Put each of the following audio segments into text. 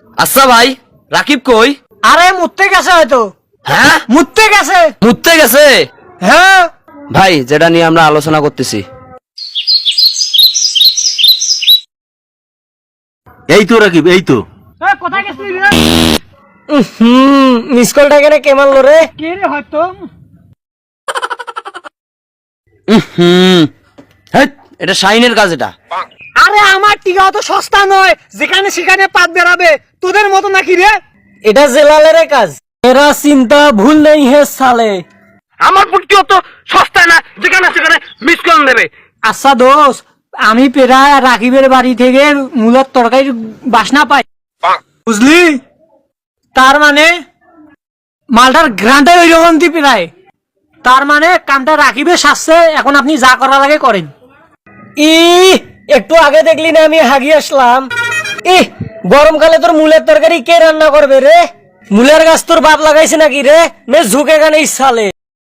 আচ্ছা ভাই, রাকিব কই? আরে মুততে গেছে হয়তো। হ্যাঁ, মুততে গেছে। মুততে গেছে। হ্যাঁ ভাই, যেটা নিয়ে আমরা আলোচনা করতেছি, এই তো রাকিব, এই তো। কোথায় গেছিলি রে? মিস কলটা কেন কে মারলো রে? কে রে হয়তো? হেৎ, এটা শাইনের কাজ। এটা আরে আমার টিকা অত সস্তা নয়, যেখানে সেখানে পাত বেরাবে। তোদের মতো নাকি রে? এটা জেলালের কাজ। এরা চিন্তা ভুল নেই হে সালে। আমার পুটকি অত সস্তা না, যেখানে সেখানে মিস কল দেবে। আচ্ছা দোষ, আমি প্রায় রাকিবের বাড়ি থেকে মূলার তরকারির বাসনা পাই, বুঝলি? তার মানে মালটার গ্রান্টাই ওই রকম প্রায়। তার মানে কামটা রাকিবের সাজছে, এখন আপনি যা করার আগে করেন। একটু আগে দেখলি না আমি হাগিয়ে আসলাম। গরমকালে তোর মূলের তরকারি কে রান্না করবে রে? মূলের গাছ তোর বাপ লাগাইছে নাকি রে? নে ঝুঁকে গানে ইচ্ছালে।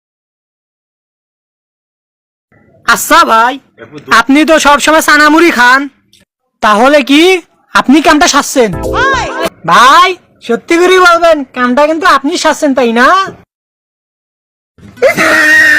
আচ্ছা ভাই, আপনি তো সবসময় চানামুড়ি খান, তাহলে কি আপনি কামটা সাজছেন? ভাই সত্যি করে বলবেন, কামটা কিন্তু আপনি সাজছেন, তাই না?